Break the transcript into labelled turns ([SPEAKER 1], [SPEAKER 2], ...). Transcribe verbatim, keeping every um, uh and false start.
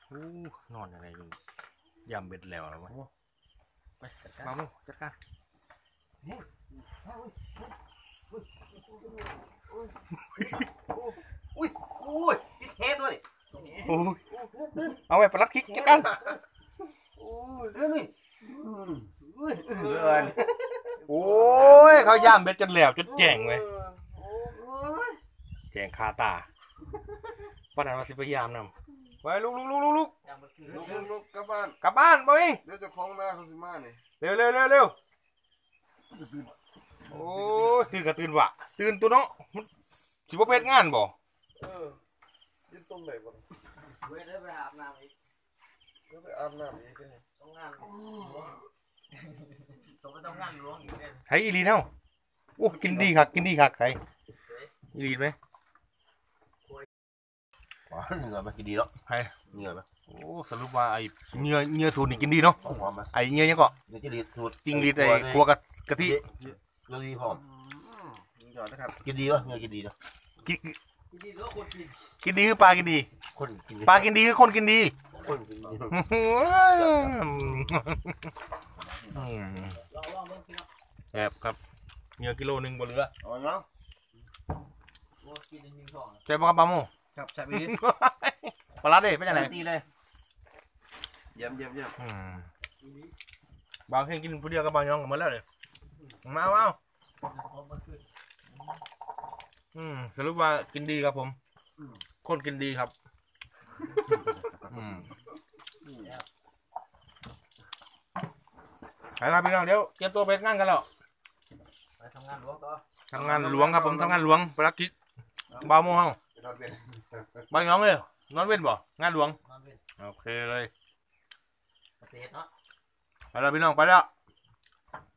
[SPEAKER 1] อู้นอนอะไรอยู่ยำเบ็ดแล้วหรอวะไปมาโมจัดการ
[SPEAKER 2] อุ้ยอุ้ยพี่เทสด้วย
[SPEAKER 1] โอ้ยเอาไว้ประลัดคิกจัดการ
[SPEAKER 2] โอ้ยเรื่องนี้อุ้ยเรือน
[SPEAKER 1] โอ้ยเขาย่ำเบ็ดจนแหลวจนแจงเลยแจงคาตาป้านันมาสิพยายามนำไปลุกลุกลุกลุกลุก
[SPEAKER 2] ลุกลุกลุกกลับบ้าน
[SPEAKER 1] กลับบ้านบ่เอง
[SPEAKER 2] เดี๋ยวจะคล้องหน้าเขาสิมาเนี่ย
[SPEAKER 1] เร็วเร็วเร็วเร็วโอ้ตื่นก็ตื่นวะตื่นตัวเนาะสิบ่เพชรงานบ่
[SPEAKER 2] เออยืนตรงไหนบ่
[SPEAKER 3] เว้ยได้ไปอาบน้ำอีก
[SPEAKER 2] เดี๋ยวไปอาบน้ำอีกเลย
[SPEAKER 3] ต้องงานหลวงต้องไปต้องงานหลวงอีกเนี่ย
[SPEAKER 1] ให้อีลีเนาะโอ้กินดีคักกินดีคักใครอีลีไหม
[SPEAKER 2] อ๋อเหงื่อมันกินดีเนาะ
[SPEAKER 1] ให้
[SPEAKER 2] เหงื่อไหม
[SPEAKER 1] โอ้สรุปว่าไอ้เนื้อเนื้อสูตรนี่กินดีเนาะ
[SPEAKER 2] หอมไหม
[SPEAKER 1] ไอ้เนื้อยังก็
[SPEAKER 2] เดี๋ยวจะรีดสูตร
[SPEAKER 1] จริงดีไอ้ครัวกะกะทิ
[SPEAKER 2] เนื้อดีหอม
[SPEAKER 1] ยอดนะครับ
[SPEAKER 2] กินดีวะเนื้อกินดีเนาะ
[SPEAKER 1] กิน
[SPEAKER 3] ที่นี่แล้วคนกิน
[SPEAKER 1] กินดีคือปลากินดี
[SPEAKER 2] คนกินดี
[SPEAKER 1] ปลากินดีคือคนกินดี
[SPEAKER 2] คนกินดี
[SPEAKER 1] อืม
[SPEAKER 3] ลองลองเบิ่งพี่น้อง
[SPEAKER 1] แอบครับเนื้อกิโลหนึ่งบนเรือ
[SPEAKER 2] เอาเนาะ
[SPEAKER 3] โอ้กินในยิงทอง
[SPEAKER 1] ใช่ปะครับปลาโม
[SPEAKER 3] ครับใช่ไหม
[SPEAKER 1] ปลาลัดดิเป็นยังไง
[SPEAKER 3] ตีเลย
[SPEAKER 2] เยี่ยมเยี่ยมเยี่ยม
[SPEAKER 1] อืมบางแค่กินผู้เดียวกับบางยองกันหมดแล้วเลยมาเอาอืมสรุปว่ากินดีครับผมคนกินดีครับอืมไปครับพี่น้องเดี๋ยวเตรียมตัวไปงานกันแล้ว
[SPEAKER 3] ไปทำงานหลวงต่อ
[SPEAKER 1] ทำงานหลวงครับผมทำงานหลวงภารกิจบ่าวโมงเฮา
[SPEAKER 2] ไปนอนเป็น
[SPEAKER 1] บางยองเลยนอนเว้นบ่งานหลวง
[SPEAKER 3] นอนเป็น
[SPEAKER 1] โอเคเลย
[SPEAKER 3] เกษตรเนาะ
[SPEAKER 1] ไปแล้วพี่น้องไปแล้ว